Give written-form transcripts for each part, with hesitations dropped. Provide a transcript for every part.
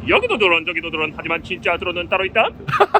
여기도 드론 저기도 드론 하지만 진짜 드론은 따로 있다.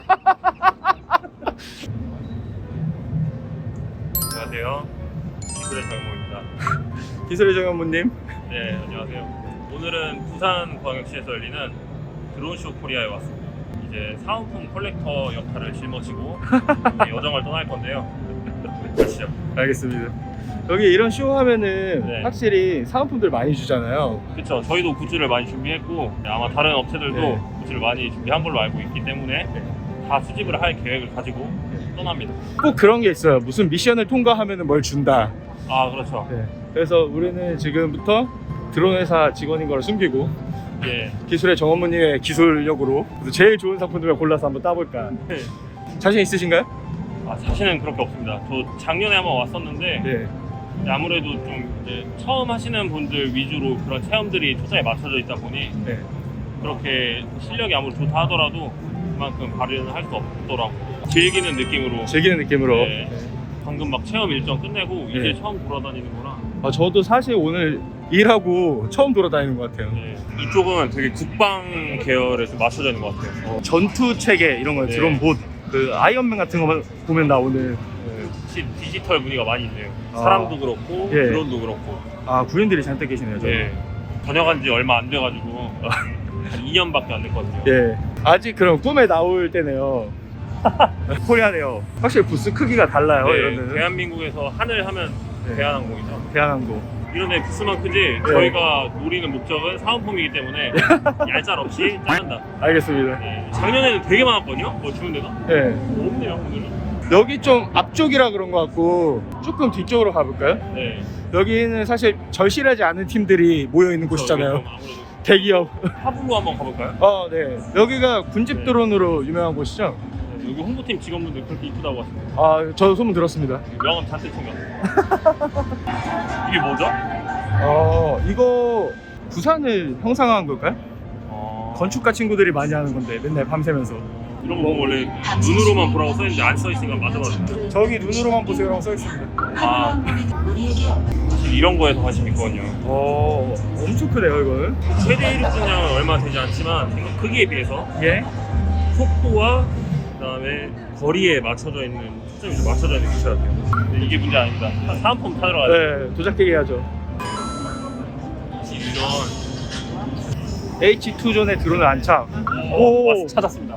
안녕하세요. 기술의 정현모입니다. 기술의 정현모님. 네, 안녕하세요. 오늘은 부산광역시에서 열리는 드론쇼 코리아에 왔습니다. 이제 사은품 컬렉터 역할을 짊어지고 여정을 떠날 건데요. 가시죠. 알겠습니다. 여기 이런 쇼 하면은 네. 확실히 사은품들 많이 주잖아요. 그렇죠. 저희도 굿즈를 많이 준비했고 아마 다른 업체들도 네. 굿즈를 많이 준비한 걸로 알고 있기 때문에 다 수집을 할 계획을 가지고 떠납니다. 꼭 그런 게 있어요. 무슨 미션을 통과하면은 뭘 준다. 아, 그렇죠. 네. 그래서 우리는 지금부터 드론 회사 직원인 걸 숨기고 예. 기술의 정현모님의 기술력으로 제일 좋은 상품들을 골라서 한번 따볼까. 네. 자신 있으신가요? 아, 자신은 그렇게 없습니다. 저 작년에 한번 왔었는데 네. 아무래도 좀 이제 처음 하시는 분들 위주로 그런 체험들이 초장에 맞춰져 있다 보니 네. 그렇게 실력이 아무리 좋다 하더라도 그만큼 발휘는 할 수 없더라고요. 즐기는 느낌으로. 즐기는 느낌으로. 네. 방금 막 체험 일정 끝내고 이제 네. 처음 돌아다니는구나. 저도 사실 오늘 일하고 처음 돌아다니는 것 같아요. 네. 이쪽은 되게 국방 계열에 좀 맞춰져 있는 것 같아요. 전투 체계 이런 거 네. 드론 봇, 그 아이언맨 같은 거 보면 나 오늘 혹시 디지털 무늬가 많이 있네요. 사람도 그렇고 예. 드론도 그렇고. 구인들이 잔뜩 계시네요. 저는. 네. 전역한 지 얼마 안 돼가지고 한 2년밖에 안 됐거든요. 예. 아직 그럼 꿈에 나올 때네요. 코리아네요. 확실히 부스 크기가 달라요. 네, 이거는. 대한민국에서 하늘 하면 네. 대한항공이죠. 대한항공. 이런 애 부스만 크지 저희가 노리는 목적은 사은품이기 때문에 얄짤 없이 짜낸다. 알겠습니다. 네. 작년에는 되게 많았거든요. 뭐 주는 데가? 예. 없네요 오늘은. 여기 좀 앞쪽이라 그런 것 같고 조금 뒤쪽으로 가볼까요? 네. 여기는 사실 절실하지 않은 팀들이 모여 있는 곳이잖아요. 좀 아무래도 대기업. 하블로 한번 가볼까요? 네. 여기가 군집 네. 드론으로 유명한 곳이죠. 네, 여기 홍보팀 직원분들 그렇게 이쁘다고 하시네요. 저 소문 들었습니다. 명함 잔뜩 챙겼어요. 이게 뭐죠? 이거 부산을 형상화한 걸까요? 건축가 친구들이 많이 하는 건데 맨날 밤새면서 이런 거 원래 눈으로만 보라고 써있는데 안 써있으니까 맞아봤어요. 저기 눈으로만 보세요라고 써있습니다. 아, 사실 이런 거에서 관심 있거든요. 엄청 크네요 이거는. 최대 이륙분량은 얼마 되지 않지만 생각 크기에 비해서 예? 속도와 그다음에 거리에 맞춰져 있는 초점이 좀 맞춰져 있는 기체 같아요. 근데 이게 문제 아닙니다. 사은품 타러 가야 돼. 네, 도작깨기 하죠. 이런 H2존의 드론을 안착. 찾았습니다.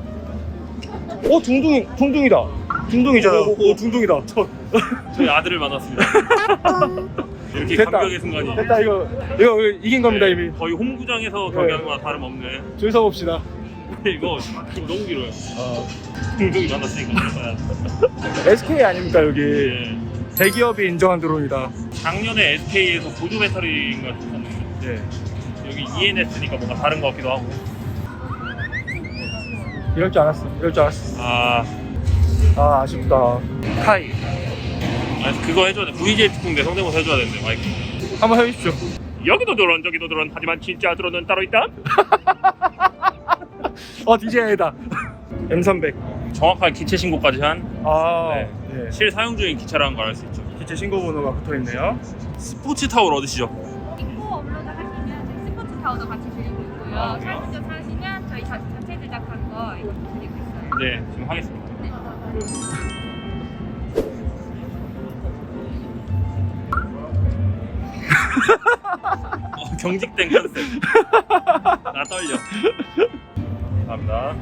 둥둥이다. 둥둥이잖아요. 둥둥이다. 저희 아들을 만났습니다. 이렇게 됐다. 감격의 순간이. 됐다. 이거 이긴 겁니다 네, 이미. 거의 홈구장에서 경기하는 거나 다름없네. 줄 서봅시다. 이거 좀 너무 길어요. 동종이 만났으니까. SK 아닙니까 여기. 예. 대기업이 인정한 드론이다. 작년에 SK에서 보조 배터리인가 줬었는데 예. 여기 ENS니까 뭔가 다른 것 같기도 하고. 이럴 줄 알았어. 아쉽다. 카이. 그거 해줘야 돼. VJ 특공대 성대모사 해줘야 되는데 마이크. 한번 해주십시오. 여기도 드론 저기도 드론 하지만 진짜 드론은 따로 있다. DJI다. M300. 정확한 기체 신고까지 한 네. 실사용 중인 기차라는 걸 알 수 있죠. 기체 신고 번호가 붙어있네요. 스포츠 타월 얻으시죠? 인포 업로드 하시면 저희 스포츠 타워도 같이 드리고 있고요. 아, 그래요? 사진전 사시면 저희 자체 제작한 거 이것도 드리고 있어요. 네, 지금 하겠습니다. 경직된 컨셉. 나 떨려. 감사합니다.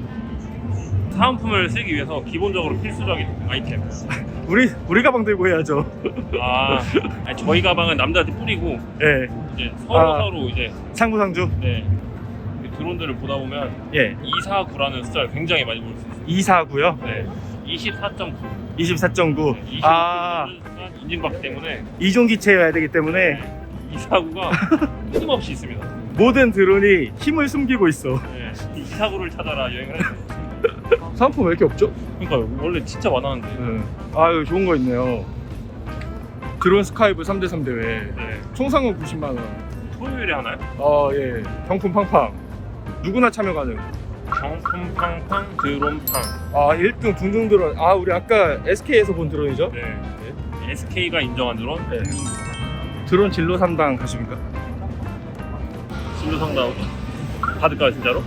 사은품을 쓰기 위해서 기본적으로 필수적인 아이템. 우리 가방 들고 해야죠. 아니, 저희 가방은 남자한테 뿌리고 예. 이제 서로 이제 상부상주. 네, 드론들을 보다 보면 예. 249라는 숫자를 굉장히 많이 볼 수 있어요. 249요? 네, 24.9. 24.9. 25 인증받기 때문에 이종 기체여야 되기 때문에 249가 끊임없이 있습니다. 모든 드론이 힘을 숨기고 있어. 네, 249를 찾아라 여행을 해야 돼요. 상품 왜 이렇게 없죠? 그러니까 원래 진짜 많았는데. 여기 좋은 거 있네요. 드론 스카이브 3대3 대회. 네, 총상은 90만 원. 토요일에 하나요? 예. 경품 팡팡. 누구나 참여 가능. 경품 팡팡 드론팡. 1등 둥둥 드론. 우리 아까 SK에서 본 드론이죠? 네. SK가 인정한 드론. 네. 드론 진로 3당 가십니까? 진로 상담. 받을까요 진짜로?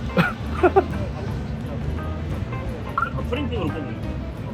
프린팅으로 뽑는 거.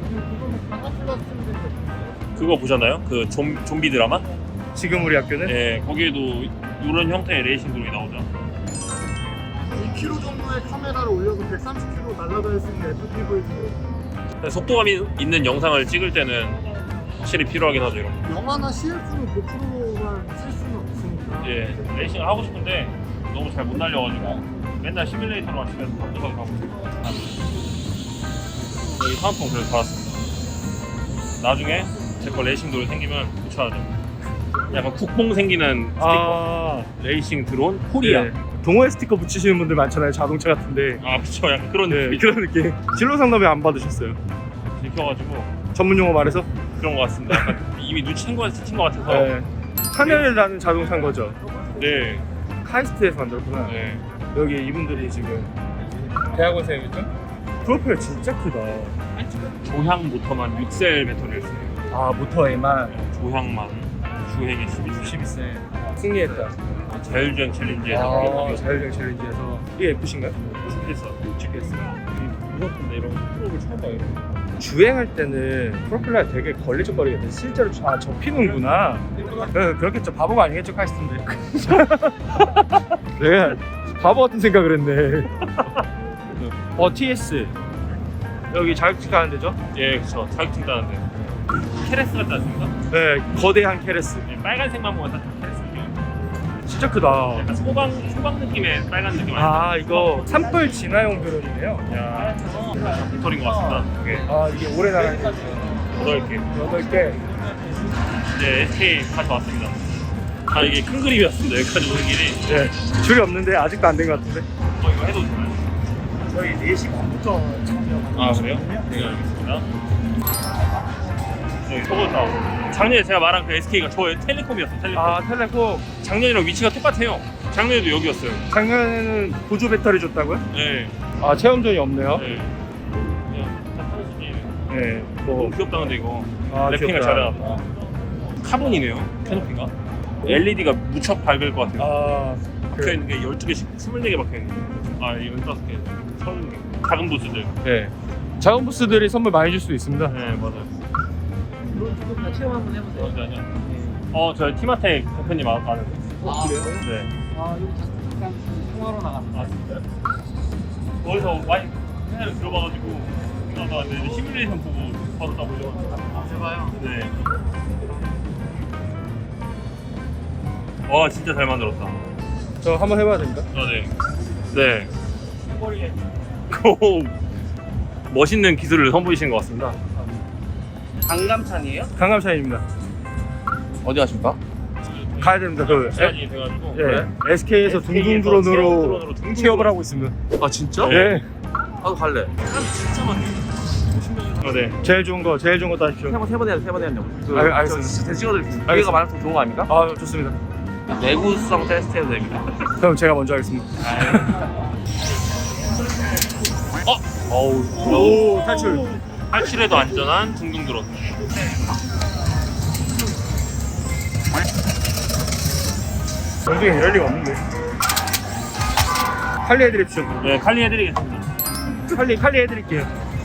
그거 보셨나요? 그 좀비 드라마? 지금 우리 학교는 네, 거기에도 이런 형태의 레이싱 드론이 나오죠. 2kg 정도의 카메라를 올려서 130km 날아갈 수 있는 FPV. 속도감이 있는 영상을 찍을 때는 확실히 필요하긴 하죠 이런 거. 영화나 CF는 고프로만 쓸 수는 없으니까. 예, 레이싱을 하고 싶은데 너무 잘 못 날려가지고 맨날 시뮬레이터로만 집에서 바쁘게 가고 있어요. 여기 사은품 그래서 받았습니다. 나중에 제 거 레이싱 드론 생기면 붙여야죠. 약간 국뽕 생기는 스티커. 아 레이싱 드론 코리아. 네. 동호회 스티커 붙이시는 분들 많잖아요. 자동차 같은데. 아 그쵸, 약간 그런 네, 느낌. 그런 느낌. 진로 상담 왜 안 받으셨어요? 들켜가지고 전문 용어 말해서? 그런 것 같습니다. 약간 이미 눈치챈 것 같아서. 네. 하늘을 나는 자동차인 거죠. 네. 카이스트에서 만들었구나. 네. 여기 이분들이 지금 대학원생이겠죠? 프로필 진짜 크다. 조향 모터만 6셀 배터리를 써요. 아 모터에만 조향만 주행에 12셀. 12세 승리했다. 자율주행 챌린지에서 자율주행 챌린지에서 이게 F신가요? 축했어. 찍겠어. 무섭던데 이런 프로를 처음 봐요. 주행할 때는 프로펠러가 되게 걸리적거리겠대. 실제로 접히는구나. 그렇겠죠. 바보가 아니겠죠, 카이스트인데. 내가 바보 같은 생각을 했네. TS 여기 자격증 가는 데죠? 예, 그쵸. 자격증 따는데. 케레스 같지 않습니까? 네, 거대한 케레스. 네, 빨간색만 보면 딱 케레스 느낌. 진짜 크다. 약간 소방 느낌의 빨간 느낌 아니에요? 아 이거 산불 진화용 드론이네요. 야, 배터리인 것 같습니다. 이게 이게 오래 나가는 거 8개. 8개. 이제 SK 가져왔습니다. 이게 큰 그림이었습니다. 여기까지 오는 길이. 네, 줄이 없는데 아직도 안 된 것 같은데. 이거 해도 되나요? 저희 4시 반부터 아, 그래요? 네, 알겠습니다. 여기 서울타워. 작년에 제가 말한 그 SK가 저의 텔레콤이었어요. 텔레콤. 텔레콤 작년이랑 위치가 똑같아요. 작년에도 여기였어요. 작년에는 보조 배터리 줬다고요? 네. 체험존이 없네요. 네. 그냥 딱 하는 수준이에요. 네, 너무 귀엽다 근데 이거. 랩핑을 귀엽다. 잘해놨다. 카본이네요. 캐노피가. LED가 무척 밝을 것 같아요. 박혀있는 게 12개씩 24개 박혀있는 거. 이 15개 30개. 작은 부스들. 네. 작은 부스들이 선물 많이 줄 수도 있습니다. 네, 맞아요. 조금 다 체험 한번 해보세요. 잠시만요. 저희 티마텍 대표님 아는데. 그래요? 네. 여기 잠깐 통화로 나갔다. 진짜요? 거기서 많이 회사를 들어봐가지고 생각나는데 시뮬레이션 보고 바로 따보려고. 해봐요. 네. 와, 진짜 잘 만들었다. 저 한번 해봐야 됩니다. 네. 네. 오, 멋있는 기술을 선보이신 것 같습니다. 강감찬이에요? 강감찬입니다. 어디 가십니까? 가야 됩니다. 시간이 돼가지고. SK에서 둥둥 드론으로 취업을 하고 있습니다. 아 진짜? 네. 나도 갈래. 진짜 많네. 네. 제일 좋은 거 따십시오. 세번 해야 돼, 3번 해야 된다고. 알겠습니다. 찍어드릴 기회가 알겠습니다. 많아서 좋은 거 아닙니까? 좋습니다. 내구성 테스트 해도 됩니다. 그럼 제가 먼저 하겠습니다. 오, 탈출. 탈출에도 안전한 둥둥 드론. 영중에 이럴 리가 없는데. 칼리 해드립시오. 네, 칼리 해드리겠습니다. 칼리 해드릴게요.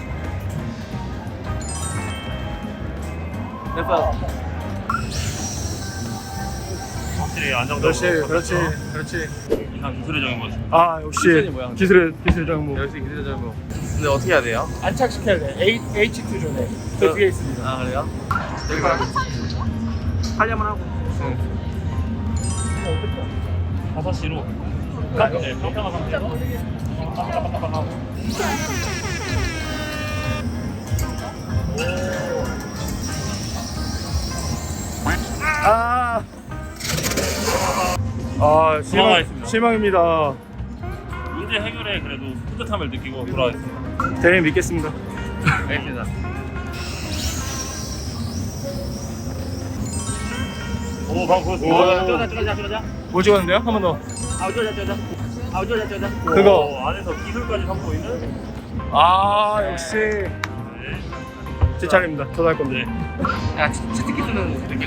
됐어. 확실히 안정적으로. 그렇지. 이상 기술의 적인 거죠. 역시 기술이 뭐야? 기술의 정보. 역시 기대자고. 근데 어떻게 해야 돼요? 안착시켜야 돼. H2 존에. 그 뒤에 있습니다. 아 그래요? 여기 봐. 하려면 하고. 5시로. 네, 평평한 상태에서. 깜빡깜빡하고. 도망가겠습니다. 실망입니다. 문제 해결에 그래도 뿌듯함을 느끼고 돌아가겠습니다. 대리님 믿겠습니다. 알겠습니다. 오, 방금 그거 뭐 찍었는데요? 한 번 더. 그거. 안에서 기술까지 선보이는. 역시. 네. 제 차례입니다. 저도 할 건데. 야 치트키 쓰는 느낌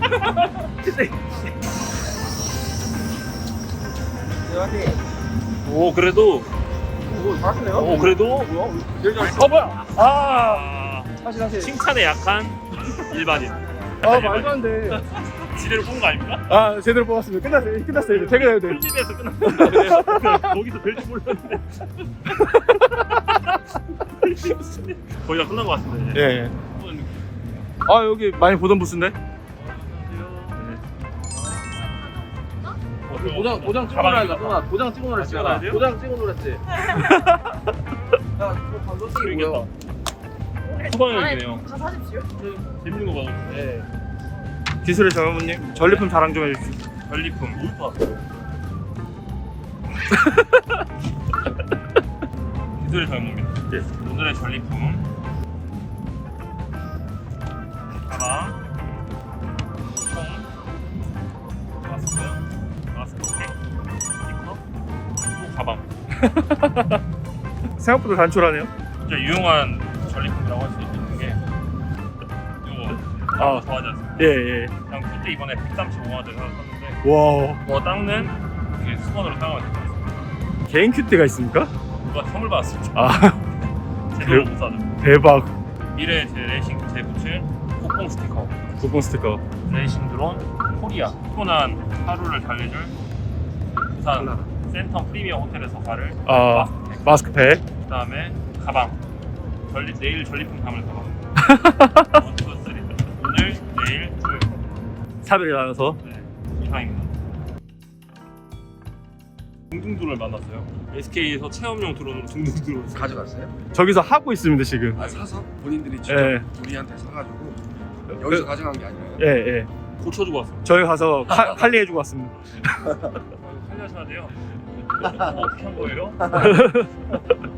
같아. 치트키. 오 그래도 오, 잘하시네요. 오 그래도 제일 잘했어. 뭐야? 아, 아, 다시. 칭찬에 약한 일반인. 아, 말도 안 돼. 지뢰로 뽑은 거 아닙니까? 아, 제대로 뽑았습니다. 끝났어요. 이제 퇴근해야 돼. 편집에서 끝났어요. 거기서 될 줄 몰랐는데. 거의 다 끝난 것 같은데. 이제. 예. 아, 여기 많이 보던 부스인데? 도장 찍어 가방에 놓으라 했잖아. 도장 찍어 놓으라 찍어놔야 했잖아. 돼요? 도장 찍어 놓으라 했지. 야, 그거 솔직히 뭐야? 소방역이네요. 다 사십시오. 재밌는 거 봐도. 예. 기술의 정현무님, 전리품 자랑 좀 해주시죠. 전리품. 기술의 전문입니다. 예. 오늘의 전리품. 가방, 총, 마스크팩, 스티커, 또 가방. 생각보다 단촐하네요. 진짜 유용한 전리품이라고 할 수 있는 게 이거 아. 좋아하지 않습니까? 예. 그냥 그때 이번에 135만 원짜리 사서 샀는데 와, 뭐 닦는 이게 수건으로 사용하면 될 것 같습니다. 개인 큐티가 있습니까? 누가 선물 받았습니다. 아, 제대로 못 사죠. 대박. 미래 제 레이싱 제부츠 폭봉 스티커, 쿠폰 스티커. 레이싱 드론 코리아, 피곤한 하루를 달래줄 부산 센텀 프리미엄 호텔에서 가를 아, 마스크팩, 마스크팩. 그 다음에 가방, 내일 전리품 담을 가방. 1, 2, 3. 오늘, 내일, 토요일. 사별이 나눠서. 네, 이상입니다. 둥둥드론을 만났어요. SK에서 체험용 드론으로 둥둥드론을 가져갔어요? 저기서 하고 있습니다, 지금. 아 사서 본인들이 직접 예. 우리한테 사가지고 여기서 가져간 게 아니에요. 예. 고쳐주고 왔어요. 저희 가서 칼리해주고 왔습니다. 살려셔야 돼요. 어떻게 한 거예요?